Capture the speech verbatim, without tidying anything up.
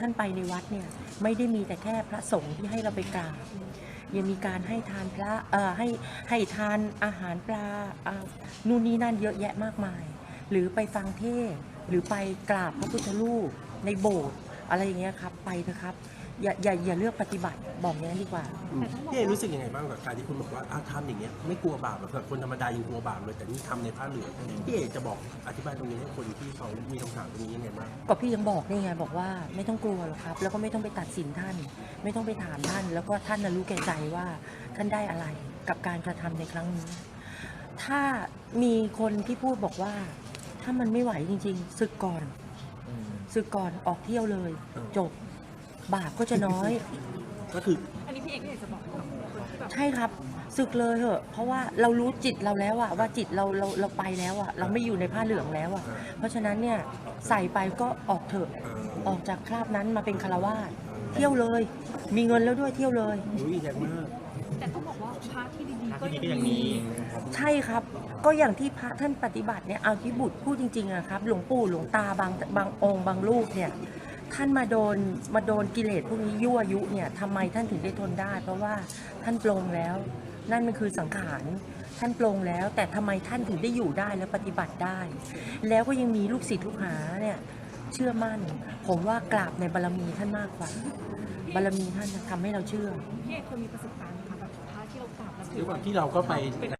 ท่านไปในวัดเนี่ยไม่ได้มีแต่แค่พระสงฆ์ที่ให้เราไปกราบยังมีการให้ทานพระเอ่อให้ให้ทานอาหารปลาอ่านู่นนี่นั่นเยอะแยะมากมาย หรือไปฟังเทศน์หรือไปกราบพระพุทธรูปในโบสถ์อะไรอย่างเงี้ยครับไปเถอะครับอย่าอย่าอย่าเลือกปฏิบัติบอกอย่างนั้นดีกว่าพี่เอรู้สึกยังไงบ้างกับการที่คุณบอกว่าอ้าวทำอย่างเงี้ยไม่กลัวบาปหรอกแบบคนธรรมดายังกลัวบาปเลยแต่นี่ทำในผ้าเหลืองพี่เอจะบอกอธิบายตรงนี้ให้คนที่เขามีคำถามตรงนี้ยังไงบ้างก็พี่ยังบอกนี่ไงบอกว่าไม่ต้องกลัวหรอกครับแล้วก็ไม่ต้องไปตัดสินท่าน ไม่ต้องไปถามท่าน แล้วก็ท่านน่ะรู้แก่ใจว่าท่านได้อะไรกับการกระทำในครั้งนี้ ถ้ามีคนที่พูดบอกว่า ถ้ามันไม่ไหวจริงๆศึกก่อนศึกก่อนออกเที่ยวเลย จบบาปก็จะน้อยก็คืออันนี้พี่เอกอยากจะบอกกับคนที่แบบใช่ครับศึกเลยเหอะเพราะว่าเรารู้จิตเราแล้วอะว่าจิตเราเราเราไปแล้วอะเราไม่อยู่ในผ้าเหลืองแล้วอะเพราะฉะนั้นเนี่ยใส่ไปก็ออกเถอะออกจากคราบนั้นมาเป็นคารวาสเที่ยวเลย มีเงินแล้วด้วยเที่ยวเลยอุ้ยแรงมากแต่ต้องบอกว่าพระที่ดีๆก็ที่นี่ก็ยังมีใช่ครับก็อย่างที่พระท่านปฏิบัติเนี่ยเอาที่บุตรพูดจริงๆอะครับหลวงปู่หลวงตาบางบางองค์บางรูปเนี่ยท่านมาโดนมาโดนกิเลสพวกนี้ยั่วยุเนี่ยทำไมท่านถึงได้ทนได้ เพราะว่าท่านปลงแล้ว นั่นมันคือสังขารท่านปลงแล้ว แต่ทำไมท่านถึงได้อยู่ได้และปฏิบัติได้ แล้วก็ยังมีลูกศิษย์ลูกหาเนี่ยเชื่อมั่น ผมว่ากราบในบารมีท่านมากกว่าบารมีท่านทำให้เราเชื่อพี่เอกเคยมีประสบการณ์ไหมคะแบบพระที่เรากราบแล้วถืด้วยอควาว่ามที่เราก็ไป